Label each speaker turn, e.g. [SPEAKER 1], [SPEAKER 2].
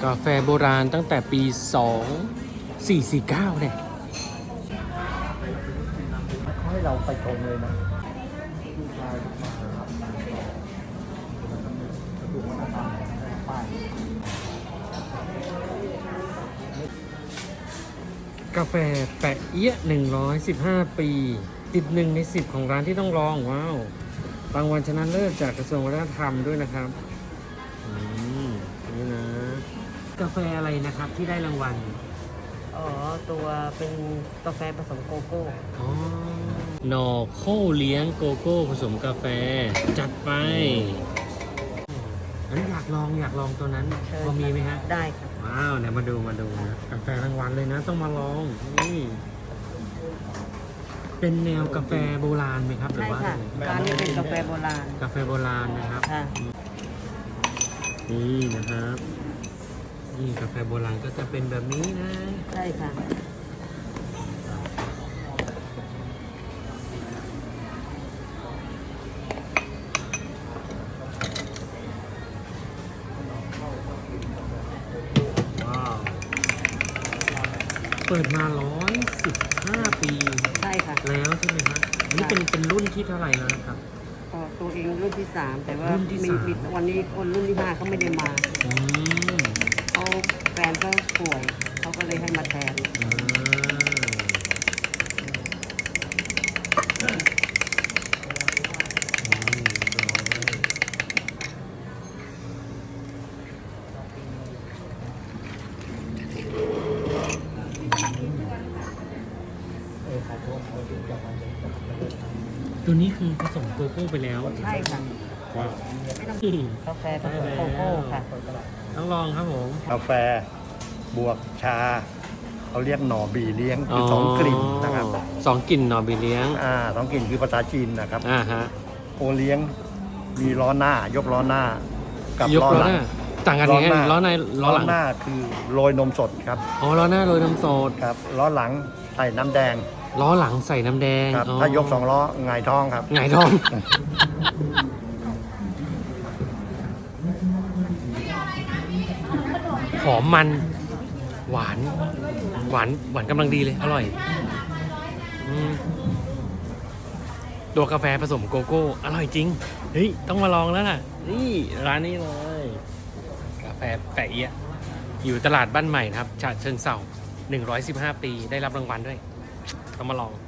[SPEAKER 1] าแฟโบราณตั้งแต่ปี 2449เนี่ย
[SPEAKER 2] เขาให้เราไปชมเลยนะลูกชายมาครับดูวัฒนธรรมป้าย
[SPEAKER 1] กาแฟแปะเอี้ยะ115 ปีติด1 ใน 10ของร้านที่ต้องลองว้าวรางวัลชนะเลิศจากกระทรวงวัฒนธรรมด้วยนะครับนี่นะกาแฟอะไรนะครับที่ได้รางวัล
[SPEAKER 3] อ๋อตัวเป็นกาแฟผสมโกโก้
[SPEAKER 1] อ๋อหน่อโค้เลี้ยงโกโก้ผสมกาแฟจัดไปอันอยากลองตัวนั้นพอมีไหมฮะ
[SPEAKER 3] ได้ครับ
[SPEAKER 1] ว้าวเนี่ยมาดูนะกาแฟรางวัลเลยนะต้องมาลองนี่เป็นแนวกาแฟโบราณไหมครับหรือ
[SPEAKER 3] ใช่
[SPEAKER 1] ว่า
[SPEAKER 3] ค่ะร้านนี้เป็นกาแฟโบราณ
[SPEAKER 1] กาแฟโบราณนะครับ
[SPEAKER 3] ค่ะ
[SPEAKER 1] นี่นะครับนี่กาแฟโบราณก็จะเป็นแบบนี้นะ
[SPEAKER 3] ใช่ค่ะ
[SPEAKER 1] ว้าวเปิดมา115 ปี
[SPEAKER 3] ใช่ค่ะ
[SPEAKER 1] แล้วใช่ไหมครับอันนี้เป็นรุ่นที่เท่าไหร่แล้วนะครับ
[SPEAKER 3] ตัวเองรุ่นที่ 3แต่ว่า
[SPEAKER 1] รุ่นที่
[SPEAKER 3] มี
[SPEAKER 1] 3
[SPEAKER 3] วันนี้คนรุ่นที่ 5เขาไม่ได้มา
[SPEAKER 1] อืม
[SPEAKER 3] เขาแฟนก็ป่วยเขาก็เลยให้มาแทน
[SPEAKER 1] ตัวนี้คือผสมโกโก้ไปแล้ว
[SPEAKER 3] ใช่ค่ะ
[SPEAKER 1] ว้าว
[SPEAKER 3] กาแฟผสมโกโก้ค่ะ
[SPEAKER 1] ต้องลองครับผม
[SPEAKER 2] กาแฟบวกชาเขาเรียกหน่อบีเลี้ยงคือสองกลิ่นนะครับ
[SPEAKER 1] 2 กลิ่นหน่อบีเลี้ยง
[SPEAKER 2] สองกลิ่นคือภาษาจีนนะครับ
[SPEAKER 1] ฮะ
[SPEAKER 2] โอเลี้ยงมีล้อหน้ายกล้อหน้ากับ
[SPEAKER 1] ยก
[SPEAKER 2] ล้อ
[SPEAKER 1] ล้อ
[SPEAKER 2] หลั
[SPEAKER 1] ห
[SPEAKER 2] ง
[SPEAKER 1] น้าต่างกันยังไงล้อในล้อหลัง
[SPEAKER 2] หน้าคือโรยนมสดครับ
[SPEAKER 1] อ๋อล้อหน้าโรยน้ำโซด
[SPEAKER 2] ครับล้อหลังใส่น้ำแดง
[SPEAKER 1] ล้อหลังใส่น้ำแดง
[SPEAKER 2] ครับ
[SPEAKER 1] อ๋อ
[SPEAKER 2] ถ้ายก2ล้อหงายท้องครับ
[SPEAKER 1] หงายท้องหอมมันหวานกำลังดีเลยอร่อยตัวกาแฟผสมโกโก้อร่อยจริงเฮ้ยต้องมาลองแล้วล่ะนี่ร้านนี้เลยกาแฟแปะเอี้ยะอยู่ตลาดบ้านใหม่นะครับฉะเชิงเทรา115 ปีได้รับรางวัลด้วยต้องมาลอง